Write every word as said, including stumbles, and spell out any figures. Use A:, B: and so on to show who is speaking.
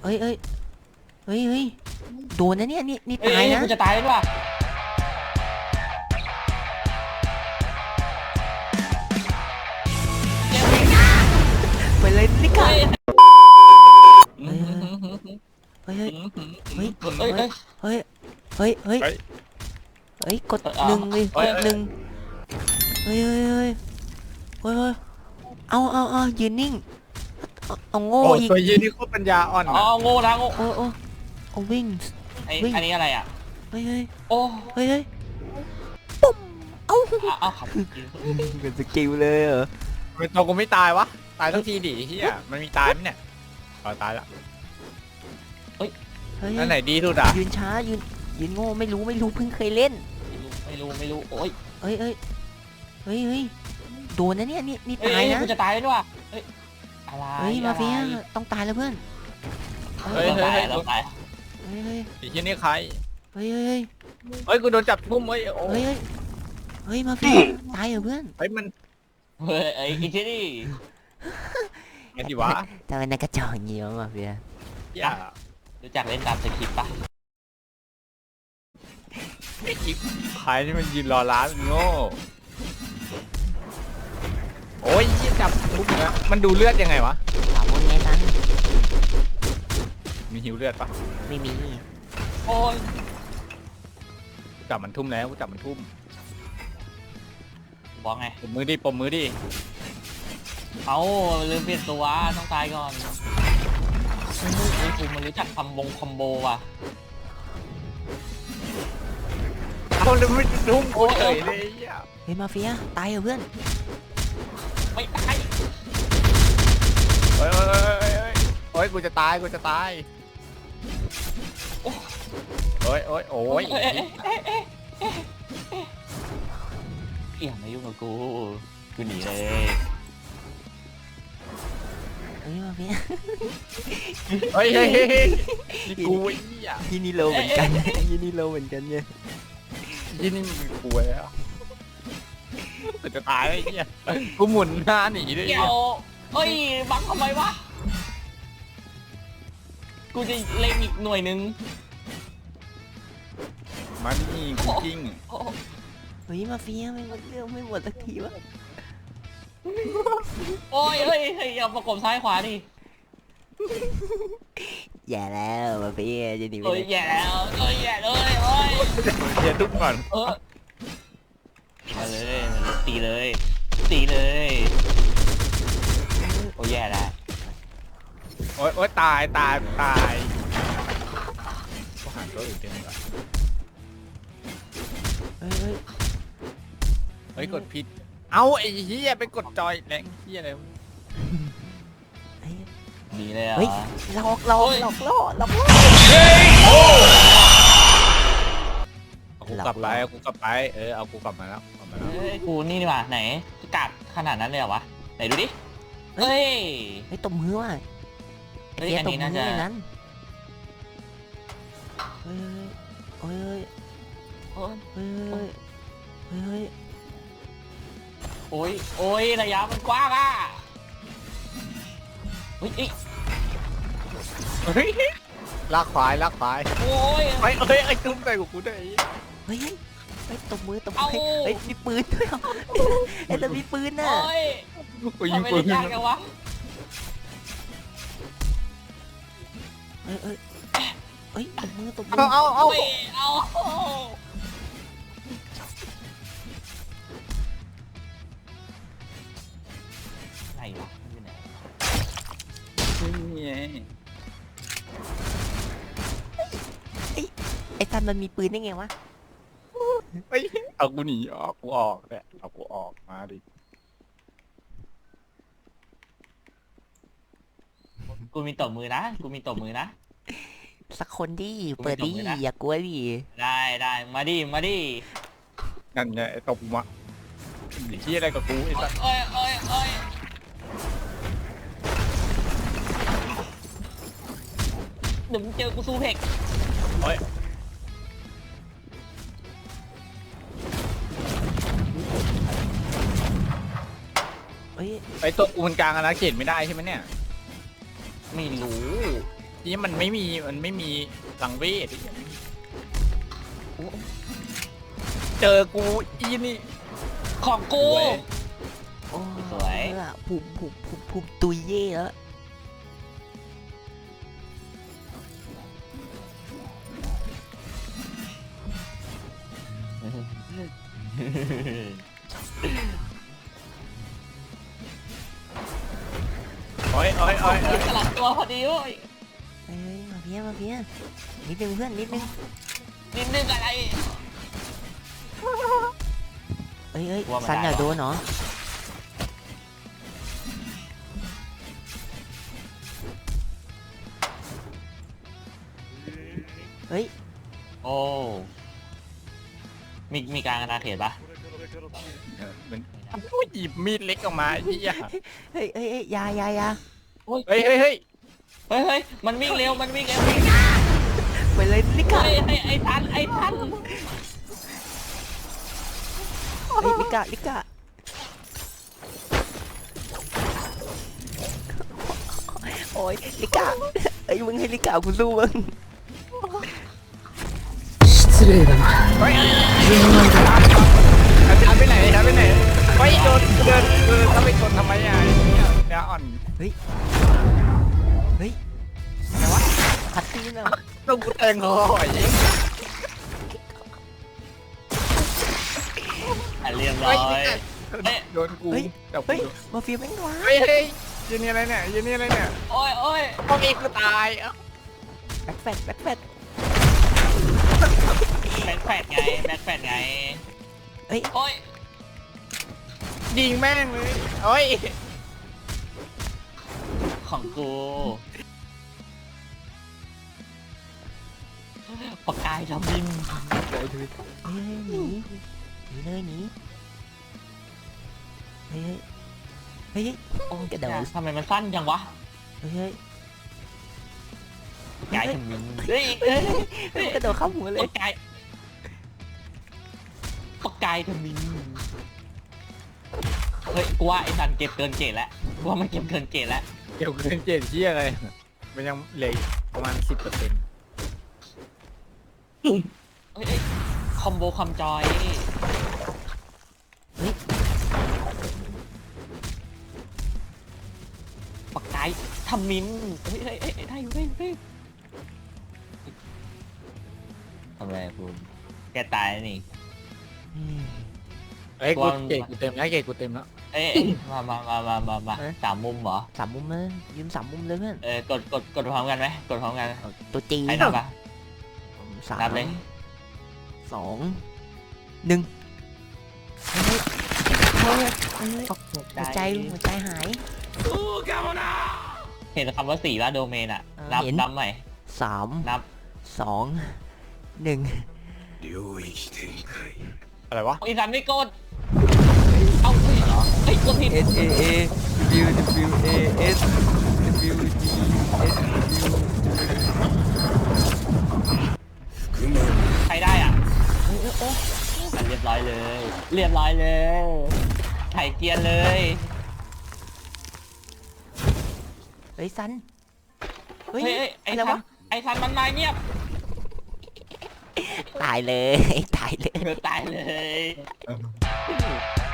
A: เอ้ยเอ้ยเฮ้ยเฮ้ยโดนนะเนี่ยนี่นี่
B: เอ้
A: ตาย
B: ย
A: นะ
B: กูจะตายแล้วว่ะ
A: ไปเลยนี่ค่ะ
B: เฮ้ย
A: เฮ้ยเฮ้ย
B: เฮ้ย
A: เฮ้ย
B: เฮ้ย
A: เฮ้ยเฮ้ยเฮ้ย
C: เฮ้ย
A: เฮ้ยกด
B: เอ้ย
A: หนึ่งเลย
C: เอ้
A: ก
C: ย
A: ดหนึ่งเฮ้ยเฮ้ยเฮ้ยเฮ้ยเฮ้ยเอาเอาเอายืนนิ่งเอาเอาโง่
C: โอ้
A: อีก
C: ตัวยีนี่โคตรปัญญาอ่อน
B: อ๋อ
C: นะ
B: โง่นะโง่
A: โอ้โอ้เอาวิ่ง
B: ไอ้
A: วิ่ง
B: อันนี้อะไรอ่ะ
A: เฮ้ยเฮ้ย
B: โอ้
A: เฮ้ยเฮ้ยปุ๊บเอ้า
B: เอาเอาขับ
A: เป็นสกิลเลยเหรอ
C: เป็นตัวกูไม่ตายวะตายทั้งทีดิเฮียมันมีตายไหมเนี่ยอ๋อตายละ
A: เฮ้ย
C: อันไหนดีสุดอ่ะ
A: ยืนช้ายืนยืนโง่ไม่รู้ไม่รู้เพิ่งเคยเล่น
B: ไม่รู้ไม่รู้โอ้ย
A: เฮ้ยเฮ้ยเฮ้ยเฮ้ยโดนนะเนี่ยนี่นี่
B: เอ้
A: ตาย
B: ย
A: นะ
B: กูจะตายแล้วว่ะเฮ้ยอะไร
A: เฮ้ยมาเฟีย
B: อะไร
A: ต้องตายแล้วเพื่อน
C: เฮ้ย
B: เรา
C: เฮ้ย
B: ตายเราตาย
A: เฮ้ยเฮ้ย
C: ไอ้เฮียนี่ใคร
A: เฮ้ยเฮ้ย
C: เฮ้ยกูโดนจับทุ่มเฮ้ยโอ้
A: เฮ้ยเฮ้ยเฮ้ยมาเฟียตายเหรอเพื่อน
C: เฮ้ยมัน
B: เฮ้ยไอ้ไอ้ที่นี่
C: ไงดิวะ
A: ทำไมนายกระจอกอย่างงี้วะมาเฟีย
C: เฮีย
B: รู้จักเล่นตามสคริปต์ปะ
C: ไอ้จิ๊บใครที่มันยืนรอร้านโง่โอ้ยเฮียจับทุ่มนะมันดูเลือดยังไงวะ
A: ถามว่าไงตัน
C: มีหิวเลือดปะ
A: ไม่มี
B: โอ้ย
C: กูจับมันทุ่มแล้วกูจับมันทุ่ม
B: บอกไง
C: ปมมือดิปมมือดิ
B: เอาลืมเปลี่ยนตัวต้องตายก่อนเฮ้ยเฮ้ยกูมันรู้จักคำบงคอมโบว่ะ
C: เอาแล้วไม่ทุ่มกูเฉยเลยเฮีย
A: เฮ้ยมาเฟียตายเหรอเพื่อน
B: ไม่ตาย
C: เฮ้ยเฮ้ยเฮ้ยเฮ้ยเฮ้ยกูจะตายกูจะตายโอ้ยโอ้ยโอ้ย
B: เอ๊ะเอ๊ะเอ๊ะเอ๊ะเอ๊ะเอ๊ะอย่ามายุ่งกับกูกูหนีเลย
A: เฮ้ยมาเฟีย
C: เฮ้ยเฮ้ยเฮ้ยเฮ้ยนี่กูไอ้เหี้ย
A: ยี่นี่โลเหมือนกันยี่นี่โลเหมือนกันเนี่ย
C: ยี่นี่มึงกูไอ้อะแต่จะตายไอ้เหี้ยกูหมุนหน้าหนีด้วย
B: เกี่ยวเฮ้ยบังทำไมวะกูจะเล็งอีกหน่วยหนึง
C: มานี่กูจริง
B: โอ้
A: เฮ้ยมาเฟียไม่หมดเรื่องไม่หมดสักทีวะ
B: โอ้ยเฮ้ยเฮ้ยอย่าประกบซ้ายขวาดิ
A: อย่าแล้วมาเฟียจะหนีไป
B: เอ้ย
A: ไหน
B: แย่แล้วเอ้ยแย่เลยเอ้ย
C: เดี๋ยวทุกก่อน
B: เออมาเลยตีเลยตีเลย โอ้ยแย่แล้ว
C: โอ๊ยโอ๊ยตายตายตายกูหันตัวอื่นเต็มเลย
A: เฮ้ยเฮ้ย
C: เฮ้ยกดผิดเอ้าไอ้เหี้ยไปกดจอยแรงเหี้ยอะไรวะ
A: เฮ้ย
B: ดีเลยอ่ะ
A: เฮ้ยหลอกหลอกหลอกล่อหลอกล่อ
C: เอากูกลับไปเอากูกลับไปเออเอากูกลับมาแล้วกลับมาแล้ว
B: เฮ้ยกูนี่ดีกว่าไหนกากขนาดนั้นเลยเหรอวะไหนดูดิเฮ้ย
A: เฮ้ยตบมือว่ะ
B: เฮ้ย
A: เฟีย
B: อัน
A: ตบ
B: นี้
A: มื
B: น่า
A: อ
B: จะ
A: ในนั้นเฮ้ยเฮ้ย
B: โอ้ย
A: เฮ้ยเฮ้ยเฮ้ย
B: โอ้ยโอ้ยระยะมันกว้างอ่ะเฮ้ยเอ้ย
C: เฮ้ยลากควายลากควาย
B: โอ้ย
C: เฮ้ยเฮ้ยไอ้ตุ้มใส่กูกูด้วยไอ้
A: เฮ้ยเฮ้ยตบมือตบมื
B: เอา
A: อเฮ้ยมีปืนด้วยเหรอเฮ้ยแล้วมีปืนน่ะ
B: โอ้ย
C: กูยิง
B: ทำไม
C: ปื
B: เล่
C: น
B: นยากจังวะ
A: เฮ้ยเฮ้ยเฮ้ยตบมือตบมื
C: เอาเอาเอา
B: เฮ้ยเอาไหนวะมันอยู่ไหน
A: ไอ้ซันมันมีปืนได้ไงวะ
C: เฮ้ยเอากูหนีออกกูออกเนี่ยเอากูออกมาดิ
B: กูมีตบมือนะกูมีตบมือนะ
A: สักคนดิเปิดดิ
B: ไม่ตบมือนะ
A: อย่ากลัวดิ
B: ได้ได้มาดิมาดิ
C: นั่นไงไอ้ตบมาหนีที่อะไรกับกูไอ้สัส
B: โอ้ยโอ้ยโอ้ยเดี๋ยวมึงเจอกูซูเพก
C: เฮ้ย
A: เฮ้ย
C: ไอ้ตัวกูมันกลางอาณาเขตไม่ได้ใช่ไหมเนี่ย
B: ไม่รู้
C: นี่มันไม่มีมันไม่มีสังเวชเจอกูอีนี่
B: ของกู
A: โอ้
B: สวย
A: เออภูมิภูมิภูมิภูมิตุยเย่แล้ว
C: โอ้ยโอ้ยโอ้ย
B: สลับตัวพอดีเว้ย
A: เอ้ยมาเพี้ยมาเพี้ยนิดนึงเพื่อนนิดนึง
B: นิดนึงอะไร
A: เอ้ยเอ้ย
B: กลัวมัน
A: ซันอย่า
B: ได้เหรอ
A: โดนเนาะเฮ้ย
B: โอ้มีมีการอาณาเขตปะ
C: มันหยิบมีดเล็กออกมาไอ้เหี้ย
A: เฮ้ยเฮ้ยเฮ้ยอยาอยาอยา
C: เฮ้ยเฮ้ยเฮ้ย
B: เฮ้ยเฮ้ยมันวิ่งเร็วมันวิ่งเร็ววิ่ง
A: ไปเลยลิกา
B: เฮ้ยเฮ้ยไอ้ทันไอ้ทัน
A: เฮ้ยลิกาลิกาโอ้ยลิกาเอ้ยมึงให้ลิกากูสู้มึง
C: เฮ้ยอาจารย์ไปไหนอาจารย์ไปไหนเฮ้ยโดนเดินเดินถ้าไปชนทำไมอ่ะไอ้เหี้ยเนี่ยอ่อน
A: เฮ้ยเฮ้ยอะไรวะคัดซีนเหรอ
C: ต้องกูแทงคอไอ้เหี้ย
B: อ่ะเรียบร้อยเอ๊ะ
C: โดนกูแต่กู
A: เฮ้ยมาเฟียแม่งว้า
C: เฮ้ยเฮ้ยยืนนี่อะไรเนี่ยยืนนี่อะไรเนี่ย
B: โอ้ยโอ้ย
C: พวกเองกูตายเอ้า
A: แบ็คแฟดแบ็คแฟด
B: แบ็คแฟดไงแบ็คแฟดไง
A: เฮ้ย
B: โอ้ย
C: ยิงแม่งเลยโอ้ย
B: ของกูปากกายทำบิน
A: เฮ้ยหนีหนีเลยหนีเฮ้ยเฮ้ยเฮ้ย
B: โอ้ย
A: กระโดด
B: ทำไมมันสั้นจังวะ
A: เฮ้ยเฮ้ย
B: กายทำบินเฮ้ยเฮ้ยเฮ้ย
A: กระโดดเข้าหัวเลย
B: ปากกายปากกายทำบินเฮ้ยกูว่าไอ้สันเก็บเกินเกตแล้วกูว่ามันเก็บเกินเกตแล้ว
C: เกี่ยวกับเจ็ดเชี่ยอะไรมันยังเหลืออีกประมาณสิบเปอร์เซ็นต์
B: เฮ้ยเฮ้ยคอมโบคอมจอยปากกายทำมินเฮ้ยเฮ้ยเฮ้ยได้อยู่ได้อยู่ได้อยู่ทำไรคุณแกตายแล้วนี่
C: เฮ้ยกูเกตกูเต็มแล้วเกตกูเต็มแล้ว
B: เอ้ยมามามามามามาสามมุมเหรอ
A: สามมุมเลยยืมสามมุมเลยเพื่อน
B: เออกดกดกดพร้อมกันไหมกดพร้อมกัน
A: ตัวจี
B: ใครนับปะ
A: สาม
B: นับเลย
A: สองหนึ่งเฮ้ยเฮ้ยเฮ้ยหัวใจหัวใจหาย
B: เห็นคำว่าสี่ว่าโดเมนอะ
A: เออ
B: นับ
A: เห็น
B: นับใหม่
A: สาม
B: นับ
A: สองหนึ่ง
C: อะไรวะ
B: อีสันไม่กดเอาเฮ้ยเหรอเฮ้ยกดผิด
A: S A A W W A S W D S W
B: ใครได้อ่ะเฮ้ยโอ้อ่ะเรียบร้อยเลย เรียบร้อยเลยไถเกียร์เลย
A: เฮ้ยซันเฮ้ย
B: เฮ้ยเฮ้ยไอ้
A: อะไร
B: ทั
A: วะ
B: นไอ้ทันมันมาเงียบ
A: ตายเลยตายเลย
B: ตายเลย